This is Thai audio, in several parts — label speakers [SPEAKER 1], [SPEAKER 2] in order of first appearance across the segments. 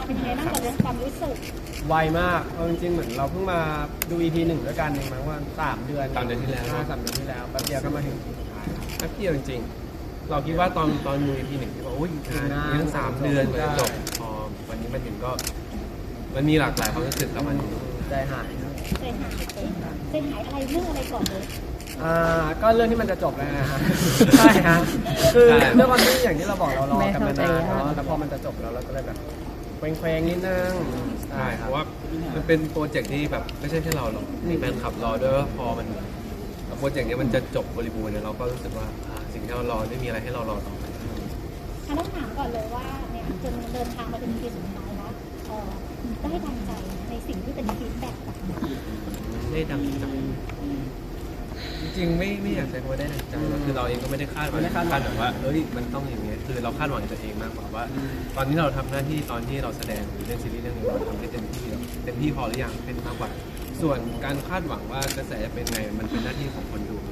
[SPEAKER 1] เป็นยังไงบ้างกับเรื่องความรู้สึก
[SPEAKER 2] ไวมากเอาจริงๆเหมือนเราเพิ่งมาดู EP 1ด้วยกันเองมั้งว่า3 เดือน
[SPEAKER 3] ที่แล้ว
[SPEAKER 2] 3 เดือนที่แล้วแป๊บเดียวก็มาถึงสุดท้าย
[SPEAKER 3] แป๊บเดียวจริงๆเราคิดว่าตอนดู EP 1ที่บอกอุ้ยงานยัง3 เดือนกว่าจะจบพอวันนี้มาถึงก็มันมีหลากหลายความรู้สึกแล้วมัน
[SPEAKER 2] ใจหาย
[SPEAKER 1] ใจหายอะไรเรื่องอะไรก่อนเลย
[SPEAKER 2] ก็เรื่องที่มันจะจบแล้วนะฮะใช่ฮะคือด้วยความที่อย่างที่เราบอกเรารอกันมานานเนาะแล้วพอมันจะจบแล้วเราก็เลยแบบเคว้งๆนิดนึง
[SPEAKER 3] ใช่เพราะว่ามันเป็นโปรเจกต์ที่แบบไม่ใช่แค่เราหรอกมีแฟนคลับรอด้วยว่าพอมันโปรเจกต์นี้มันจะจบบริบูรณ์เนี่ยเราก็รู้สึกว่าสิ่งที่เรารอไม่มีอะไรให้เรารอต่อไป
[SPEAKER 1] ต้องถามก่อนเลยว่าเนี่ยจนเดินทางมาถึงปีสุดท้ายแล้วได้ดังใจในสิ่งที่เป็นฟีดแบ็กกลับมา
[SPEAKER 3] ได้ดังใจจริงๆไม่อยากใช้คำว่าได้ดังใจคือเราเองก็ไม่ได้คาดหวังแบบว่าเฮ้ยมันต้องอย่างนี้คือเราคาดหวังตัวเองมากกว่าว่าตอนนี้เราทำหน้าที่ตอนที่เราแสดงเล่นซีรีส์เรื่องนี้เราทำให้เต็มที่พอหรือยังเป็นมากกว่าส่วนการคาดหวังว่ากระแสจะเป็นไงมันเป็นหน้าที่ของคนดู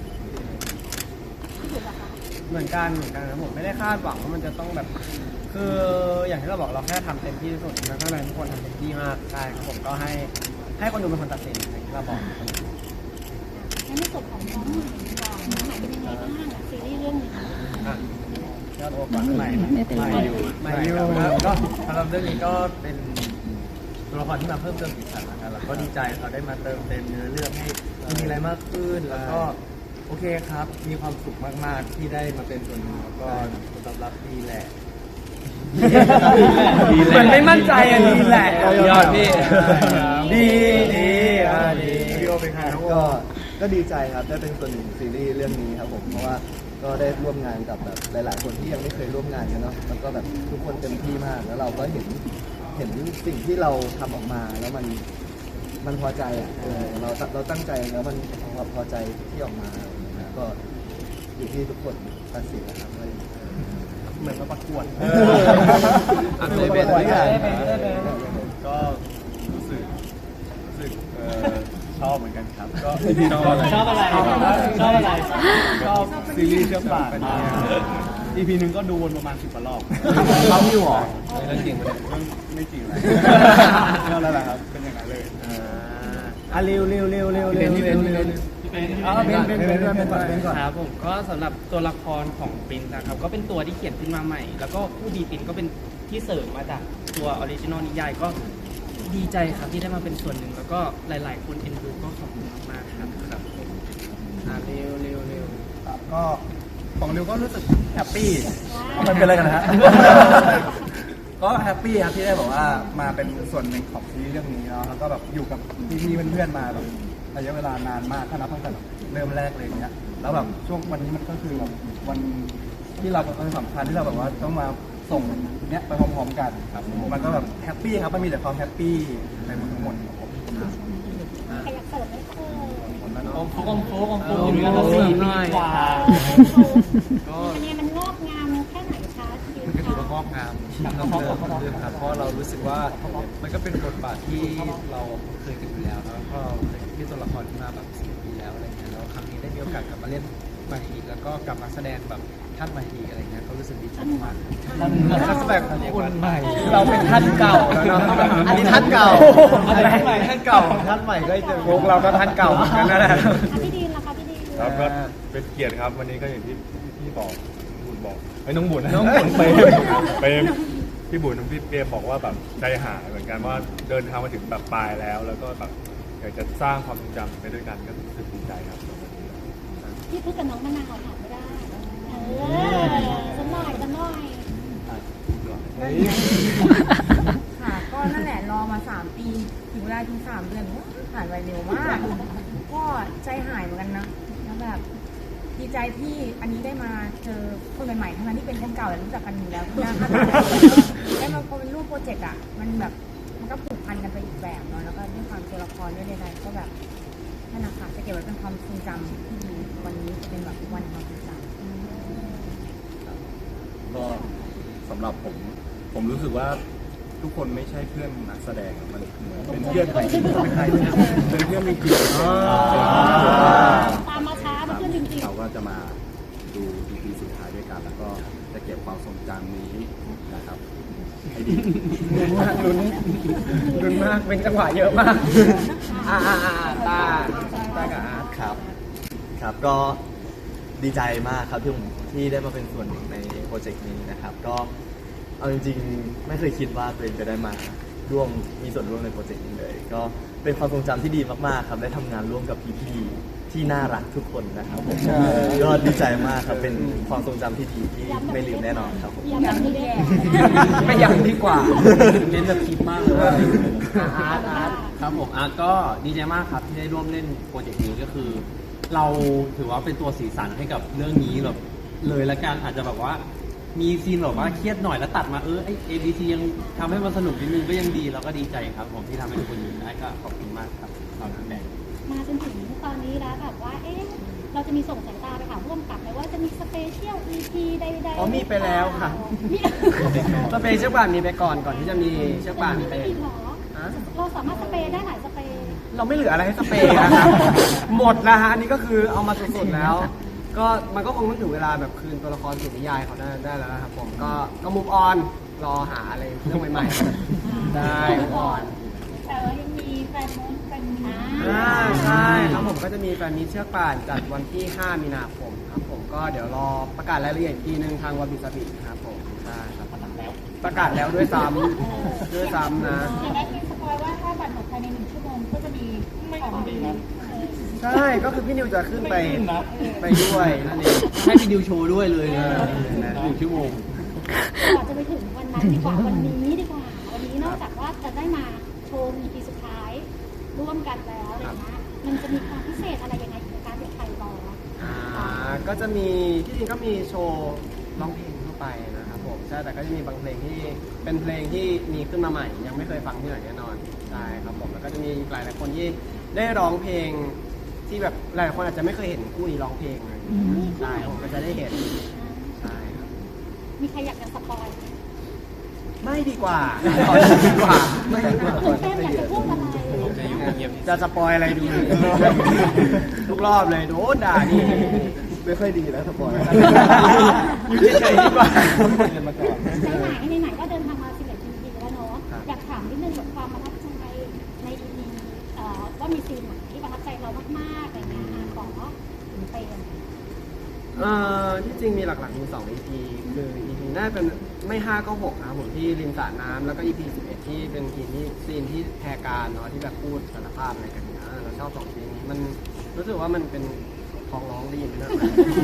[SPEAKER 2] เหมือนกันนะผมไม่ได้คาดหวังว่ามันจะต้องแบบคืออย่างที่เราบอกเราแค่ทำเต็มที่ที่สุดแล้วข้างในทุกคนทำเต็มที่มากใช่ครับผมก็ให้คนดูเป็นคนตัดสินอย่างที่เราบอก
[SPEAKER 1] ในส่วนของน้องหมายเป็นยังไงบ้างซีรีส์เรื่องนี้
[SPEAKER 2] ยอดโอก่อนใหม่อยู่ก็สำหรับเรื่องนี้ก็เป็นตัวละครที่มาเพิ่มเติมสีสันนะครับแล้วก็ดีใจเราได้มาเติมเต็มเนื้อเรื่องให้มีอะไรมากขึ้นแล้วก็โอเคครับมีความสุขมากๆที่ได้มาเป็นส่วนหนึ่งแล้วก็ตอบรับดีแหละมันไม่มั่นใจอ่ะดีแหละ
[SPEAKER 3] ยอดพี่
[SPEAKER 2] ดี
[SPEAKER 4] พี่โอเป็นใครก็ดีใจครับได้เป็นส่วนหนึ่งซีรีส์เรื่องนี้ครับผมเพราะว่าก็ได้ร่วมงานกับแบบหลายๆคนที่ยังไม่เคยร่วมงานกันเนาะแล้วก็แบบทุกคนเต็มที่มากแล้วเราก็เห็นสิ่งที่เราทำออกมาแล้วมันพอใจอ่ะเราตั้งใจแล้วมันพอใจที่ออกมาก็อยู่ที่ทุกคนตัดสินนะครับ
[SPEAKER 2] เหมือนมาประกวด
[SPEAKER 3] ได้เป็น
[SPEAKER 4] ก็รู้สึกชอบเหมือนกันครับก็
[SPEAKER 2] ชอบอะไร
[SPEAKER 4] ชอบซีรีส์เชื่อมปากEP นึงก็ดูวนประมาณ10 รอบ
[SPEAKER 2] เขาอยู่หรอ
[SPEAKER 3] เรื่องจริง
[SPEAKER 4] ไม่จริงเลยก็แล้วแหละครับเป็นอย่างนั้นเลย
[SPEAKER 2] เร็ว
[SPEAKER 5] เป็นก่อนครับผมก็สำหรับตัวละครของปรินซ์นะครับก็เป็นตัวที่เขียนขึ้นมาใหม่แล้วก็ผู้ดีปรินซ์ก็เป็นที่เสริมมาจากตัวออริจินอลนิยายก็ดีใจครับที่ได้มาเป็นส่วนหนึ่งแล้วก็หลายๆคนเอ็นดูก็ขอบคุณมากครับ
[SPEAKER 2] เร็ว
[SPEAKER 4] ก็ของริวก็รู้สึกแฮปปี้มันเป็นอะไรกันนะฮะก็แฮปปี้ครับที่ได้บอกว่ามาเป็นส่วนหนึ่งของซีรีส์เรื่องนี้แล้วก็แบบอยู่กับพี่ๆเพื่อนๆมาแบบระยะเวลานานมากถ้านับตั้งแต่เริ่มแรกเลยเนี้ยแล้วแบบช่วงวันนี้มันก็คือแบบวันที่เราเป็นสำคัญที่เราแบบว่าต้องมาส่งเนี้ยไปพร้อมๆกันครับมันก็แบบแฮปปี้ครับมันมีแต่ความแฮปปี้ในทั้งหมดครับผม
[SPEAKER 1] ใครอยากเสิร์ฟไหม
[SPEAKER 5] โค้งอยู่กันมา4 ปีกว่า
[SPEAKER 1] ก็เนี่ยมันงอกงามแค่ไหนคะ
[SPEAKER 6] ก็ถือว่างอกงามครับเพราะเรารู้สึกว่ามันก็เป็นบทบาทที่เราเคยกันอยู่แล้วแล้วก็ที่ตัวละครที่มาแบบ10 ปีแล้วอะไรเงี้ยแล้วครั้งนี้ได้มีโอกาสกลับมาเล่นใหม่อีกแล้วก็กลับมาแสดงแบบท่านใหม่อีกอะไรเงี้ยก็รู้สึกดีใจมาก
[SPEAKER 2] นักแสดงคนใหม่เราเป็นท่านเก่าแล้วเนาะอันนี้ท่านเก่าท่านเก่าท่านใหม่ก็จะพวกเราก็ท่านเก่าเหมือนกันนั่นแหละ
[SPEAKER 1] พี่ดีนล่ะคะพี่ดีน
[SPEAKER 4] ครับก็เป็นเกียรติครับวันนี้ก็อย่างที่พี่บอกน้องบุญไปพี่บุญน้องพี่เปียบอกว่าแบบใจหายเหมือนกันว่าเดินทางมาถึงแบบปลายแล้วก็แบบอยากจะสร้างความทรงจำไปด้วยกันก็รู้สึกดีใจครับ
[SPEAKER 1] พี่พูดกับน้องมะนาวถามไม่ได้จะหน่อย
[SPEAKER 7] ค่ะก็นั่นแหละรอมา3 ปีถึงเวลาถึง3 เดือนผ่านไปเร็วมากก็ใจหายเหมือนกันนะแล้วแบบดีใจที่อันนี้ได้มาเจอคนใหม่ๆทั้งนั้นที่เป็นคนเก่าแต่รู้จักกันอยู่แล้วที่น่าได้มาเป็นรูปโปรเจกต์อ่ะมันแบบมันก็ผูกพันกันไปอีกแบบเนาะแล้วก็ด้วยความตัวละครด้วยใดๆก็แบบนั่นนะคะจะเก็บไว้เป็นความทรงจำที่ดีวันนี้จะเป็นแบบวันความทรงจำ
[SPEAKER 4] ก็สำหรับผมรู้สึกว่าทุกคนไม่ใช่เพื่อนนักแสดงมันเป็นเพื่อนใครเป็นเพื่อนมีเกียรติ
[SPEAKER 1] ตามมาช้าเพื่อนจริงๆ
[SPEAKER 4] เราก็จะมาดู EP สุดท้ายด้วยกันแล้วก็จะเก็บความทรงจำนี้นะครับ
[SPEAKER 2] ให้ดี
[SPEAKER 5] ลุ้นมากลุ้นมากเป็นจังหวะเยอะมากตากับอาร์ต
[SPEAKER 2] ครับครับก็ดีใจมากครับที่ได้มาเป็นส่วนหนึ่งในโปรเจกต์นี้นะครับก็เอาจริงๆไม่เคยคิดว่าตัวเองจะได้มามีส่วนร่วมในโปรเจกต์นี้เลยก็เป็นความทรงจำที่ดีมากๆครับได้ทำงานร่วมกับพี่ๆที่น่ารักทุกคนนะครับผมก็ดีใจมากครับเป็นความทรงจำที่ดีที่ไม่ลืมแน่นอนครับผม
[SPEAKER 1] ย้ำแบบนี้ด้วย
[SPEAKER 5] ไม่ยังดีกว่าเน้นแบบคิดมากเลยว่าอาร์ต
[SPEAKER 3] ครับผมอาร์ตก็ดีใจมากครับที่ได้ร่วมเล่นโปรเจกต์นี้ก็คือ เราถือว่าเป็นตัวสีสันให้กับเรื่องนี้แบบเลยละกันอาจจะแบบว่ามีซีนแบบว่าเครียดหน่อยแล้วตัดมาไอ้ ABC ยังทำให้มันสนุกนิดนึงก็ยังดีแล้วก็ดีใจครับผมที่ทำให้ทุกคนอยู่ได้ก็ขอบคุณมากครับตอนนั้นแดง
[SPEAKER 1] มาจนถึงตอนนี้แล้วแบบว่าเราจะมีส่งสายตาไปหาร่วมกับไหมว่าจะมีสเปเชียล EP ใดๆ
[SPEAKER 5] อ๋อมีไปแล้วค่ะ
[SPEAKER 1] มี
[SPEAKER 5] สเปรย์เชือกป่านมีไปก่อนที่จะมีเชือกป่าน
[SPEAKER 1] ไม่
[SPEAKER 5] เป็น
[SPEAKER 1] มีหรอเราสามารถสเปรย์ได้หลายสเปรย์
[SPEAKER 5] เราไม่เหลืออะไรให้สเปรย์นะครับ หมดแล้วฮะอันนี้ก็คือเอามาสุดๆแล้ว ก็มันก็คงต้องถึงเวลาแบบคืนตัวละครสู่นิยายเขาได้แล้วนะครับผมก็มุกออนรอหาอะไรเรื่องใหม่ๆได้ก่อน
[SPEAKER 1] แต่ว่ายังมีแฟนมุ้งแฟนมี
[SPEAKER 5] ใช่ครับผมก็จะมีแฟนมีตเชือกป่านจัดวันที่ 5 มีนาคมครับผมก็เดี๋ยวรอประกาศรายละเอียดอีกทีนึงทางวาบิสบิครับผมใช่ครับประกาศแล้วด้วยซ้ำนะ
[SPEAKER 1] อย่างนั้นคือสปอยว่าถ้าบัตรหมดภายใน1 ชั่วโมงก็จะมีของดี
[SPEAKER 5] ใช่ก็คือพี่นิวจะขึ้นไปด้วยนั่นเอง
[SPEAKER 3] ให้พี่ดิวโชว์ด้วยเลยนะ1 ชั่วโมง
[SPEAKER 1] ก่อนจะไปถึงวันนั้นดีกว่าวันนี้ดีกว่าวันนี้นอกจากว่าจะได้มาโชว์ EP สุดท้ายร่วมกันแล้วอะไรเงี้ยมันจะมีความพิเศษอะไรยังไงในการเป็นไทยบอล
[SPEAKER 5] ก็จะมีที่จริงก็มีโชว์ร้องเพลงทั่วไปนะครับผมใช่แต่ก็จะมีบางเพลงที่เป็นเพลงที่มีขึ้นมาใหม่ยังไม่เคยฟังที่ไหนแน่นอนใช่ครับผมแล้วก็จะมีหลายคนที่ได้ร้องเพลงที่แบบหลายคนอาจจะไม่เคยเห็นคู่นี้ร้องเพลงเลยใช่ผมก็จะได้เห็นใช่ครับ
[SPEAKER 1] มีใครอยากจะสปอยไหม
[SPEAKER 5] ไม่ดีกว่าดีกว่าไม่ดีกว่า
[SPEAKER 1] ตื่นเต้นอยากจะพูดอะไร
[SPEAKER 3] จะอยู่เงียบ
[SPEAKER 5] จะสปอยอะไรดูทุกรอบเลยโดนด่านี่
[SPEAKER 2] ไม่ค่อยดีแล้วสปอย
[SPEAKER 5] อยู่เฉยๆดีกว่า
[SPEAKER 1] ในไหนก็เดินทางมา11 EP แล้วเนาะอยากถามนิดนึงกับความประทับใจใน EP ว่ามีซีนไหนที่ประทับใจเรามากๆอะไรเงี้ยขอเป็น
[SPEAKER 5] ที่จริงมีหลักๆมี2 EP คือ EP น่าเป็นไม่5ก็6นะครับผมที่ริมสระน้ำแล้วก็ EP 11ที่เป็นซีนที่แพรการเนาะที่แบบพูดสารภาพอะไรกันนะเราชอบ2ซีนนี้มันรู้สึกว่ามันเป็นท้องร้องได้ยินไหมนะ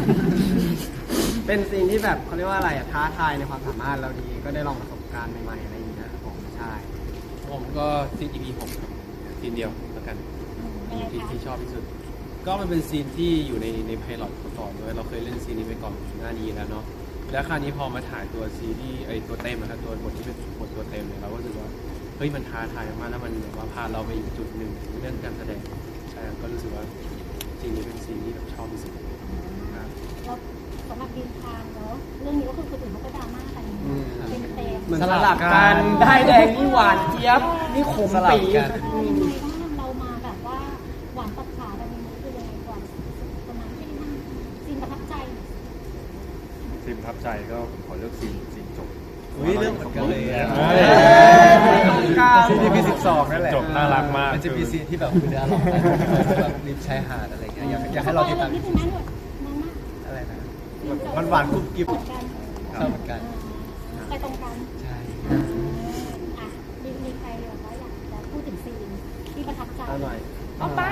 [SPEAKER 5] เป็นซีนที่แบบเขาเรียกว่าอะไรอะท้าทายในความสามารถเราดีก็ได้ลองประสบการณ์ใหม่ๆอะไรอย่างเงี้ยครับผมใช่
[SPEAKER 3] ผมก็ซีน EP 6ครับซีนเดียวแล้วกัน
[SPEAKER 1] ยังไงคะ
[SPEAKER 3] ที่ชอบที่สุด ก็มันเป็นซีนที่อยู่ในไพลอตก่อนด้วยเราเคยเล่นซีนนี้ไปก่อนหน้านี้แล้วเนาะแล้วคราวนี้พอมาถ่ายตัวซีรีส์ตัวเต็มนะครับตัวบทที่เป็นบทตัวเต็มเนี่ยเราก็รู้สึกว่าเฮ้ยมันท้าทายมากแล้วมันแบบว่าพาเราไปอีกจุดหนึ่งเรื่องการแสดงใช่ก็รู้สึกว่าซีนนี้เป็นซีนที่แบบชอบที่สุดครับ
[SPEAKER 1] แล้วสำหรับดินทางเนาะเรื่องนี้ก็คือคนอื่นเขาก็ดราม่ากันเป็นเต็ม
[SPEAKER 5] เหมือนสลับกันได้แดงนี่หวานเจี๊ยบนี่ขมปี
[SPEAKER 1] ยังไงบ้างเรามาแบบว่าหวานตัดขาแบบนี้คือยังไงก่อนประมาณที่นั่งซีนประทับใจ
[SPEAKER 8] ซีนประทับใจก็ผมขอเลือกซีนจบ
[SPEAKER 2] อุ้ยเรื่องเหมือนกันเลย
[SPEAKER 4] ซีน EP 12นั่นแหละ
[SPEAKER 8] จบน่ารักมาก
[SPEAKER 6] มันจะมีซีนที่แบบคุณเนื้อหลอกกันแบบริมชายหาดอะไรเงี้ยอยากให้เราติดตาม
[SPEAKER 1] นิดนึงนะหนวดน้องมาก
[SPEAKER 6] อะไรนะ
[SPEAKER 4] มันหวานกรุบกริบ
[SPEAKER 1] เหมือนกัน
[SPEAKER 6] ชอบเหมือนกัน
[SPEAKER 1] ไปตรงกัน
[SPEAKER 6] ใช่
[SPEAKER 1] อ่ะมีใครแบบว่าอยากจะพูดถึงซีนที่ประทับใจ
[SPEAKER 5] เอาหน่อย
[SPEAKER 1] เอาไป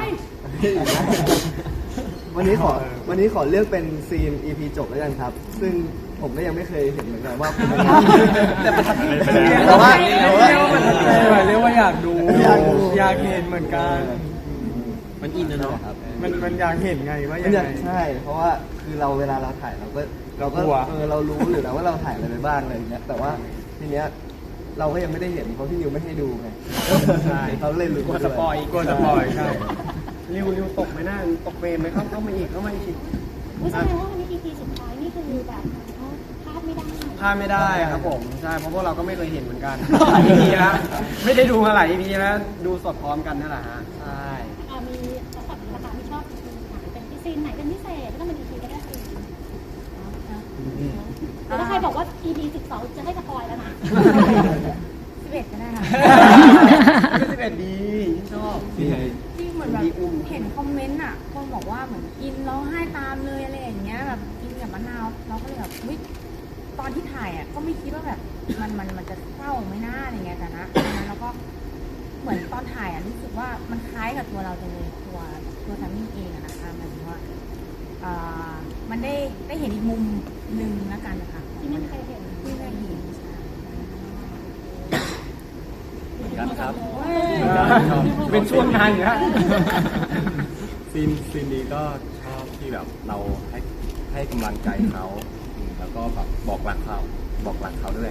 [SPEAKER 2] วันนี้ขอเลือกเป็นซีน EP จบแล้วกันครับ ซึ่งผมก็ยังไม่เคยเห็นเหมือนกันว่าเป็นยังไงแต่ประทับใจแต่ว่า
[SPEAKER 4] เรียกว่าอยากดูอยากเห็นเหมือนกัน
[SPEAKER 3] มันอินนะเนาะ
[SPEAKER 4] มันอยากเห็นไงว่า
[SPEAKER 2] มั
[SPEAKER 4] ยั
[SPEAKER 2] น
[SPEAKER 4] ง
[SPEAKER 2] อยา
[SPEAKER 4] ไง
[SPEAKER 2] กใช่ เพราะว่าคือเราเวลาเราถ่ายเราก็
[SPEAKER 4] กลัว
[SPEAKER 2] เรารู้อยู่แล้วว่าเราถ่ายอะไรไปบ้างอะไรอย่างเงี้ยแต่ว่าทีเนี้ยเราก็ยังไม่ได้เห็นเพราะพี่นิวไม่ให้ดูไง
[SPEAKER 5] ใช่
[SPEAKER 2] เขาเลยรู้
[SPEAKER 5] กลัวสปอยใช่ริวตกไหมหน้าตกเฟรมไหมเข้ามาอีก
[SPEAKER 1] อุ๊ยแสดงว่าวันนี้ EP สุดท้ายนี่คือแบบพลาดไม่ได้
[SPEAKER 5] พลาดไม่ได้ครับผมใช่เพราะพวกเราก็ไม่เคยเห็นเหมือนกันหลาย EP แล้วไม่ได้ดูมาหลาย EP แล้วดูสดพร้อมกันนั่นแหละฮะใช่
[SPEAKER 1] มีสำหรับราคาที่ชอบซีนไหนเป็นซีนไหนเป็นพิเศษไม่ต้องเป็น EP ก็ได้ซีนแต่ถ้าใครบอกว่า EP 12จะให้สปอยแล้วนะ
[SPEAKER 7] 11ก็ได้ค่ะ
[SPEAKER 4] 11ดีชอบ
[SPEAKER 7] ที่เหมือนแบบเห็นคอมเมนต์อ่ะคนบอกว่าเหมือนกินร้องไห้ตามเลยอะไรอย่างเงี้ยแบบกินกับมะนาวเราก็เลยแบบวิตอนที่ถ่ายอ่ะก็ไม่คิดว่าแบบมันจะเศร้าไม่น่าอะไรเงี้ยแต่นะตอนนั้นเราก็เหมือนตอนถ่ายอ่ะรู้สึกว่ามันคล้ายกับตัวเราจังเลยตัวแซมมี่เองอะนะคะหมายถึงว่ามันได้เห็นอีกมุมหนึ่งแล้วกันนะคะ
[SPEAKER 1] ที่ไม่มีใครเห็น
[SPEAKER 7] ที่ได้เห็นใช่
[SPEAKER 2] เหมือนกันครับ
[SPEAKER 4] เป็นช่วงงานอยู่ฮะ
[SPEAKER 8] ซีนนี้ก็ชอบที่แบบเราให้กำลังใจเขาแล้วก็แบบบอกรักเขาด้วย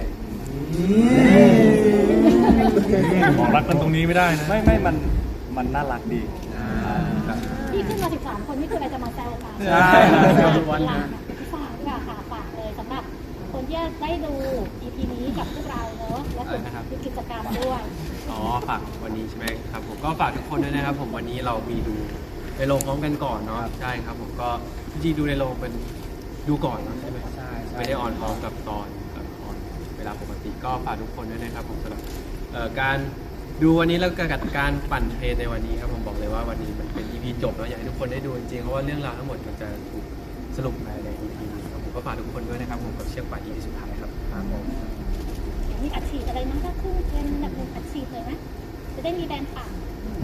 [SPEAKER 8] บอกรักกันตรงนี้ไม่ได้นะไม่มันน่ารักดีครับ
[SPEAKER 1] ที่ขึ้นมา13 คนนี่คืออะไรจะมาแซวกัน
[SPEAKER 4] ใช่
[SPEAKER 1] วันหลังฝากด้วยค่ะฝากเลยสำหรับคนที่ได้ดู EP นี้กับพวกเราเนอะและส่วนคือกิจกรรมด้วย
[SPEAKER 3] อ๋อฝากวันนี้ใช่ไหมครับผมก็ฝากทุกคนด้วยนะครับผมวันนี้เรามีดูในโรงพร้อมกันก่อนเนาะใช่ครับผมก็จริงๆดูในโรงเป็นดูก่อนเนอะใช่ไหม
[SPEAKER 4] ใช่
[SPEAKER 3] ไม่ได้ออนพร้อมกับตอนออนเวลาปกติก็ฝากทุกคนด้วยนะครับผมสำหรับการดูวันนี้แล้วก็การปั่นเทรนในวันนี้ครับผมบอกเลยว่าวันนี้มันเป็น EP จบแล้วอยากให้ทุกคนได้ดูจริงๆเพราะว่าเรื่องราวทั้งหมดมันจะถูกสรุปภายใน EP นี้ครับผมก็ฝากทุกคนด้วยนะครับผมกับเชือกป่าน EP สุดท้ายครับ
[SPEAKER 1] มีอัดฉีดอะไรมั้งถ้าขึ้นเป็นแบบหนึ่งอัดฉีดเลยไหมจะได้มีแบรนด์ปั่น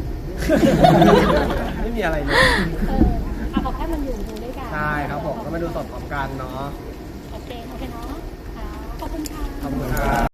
[SPEAKER 4] ไม่มีอะไรเลย
[SPEAKER 1] ขอแค่มันอยู่ดูด้วยกัน
[SPEAKER 4] ใช่ครับผมก็มาดูสดพร้อมกันเนาะ
[SPEAKER 1] โอเคเนาะค่ะขอบคุณค่ะ
[SPEAKER 4] ขอบคุณครับ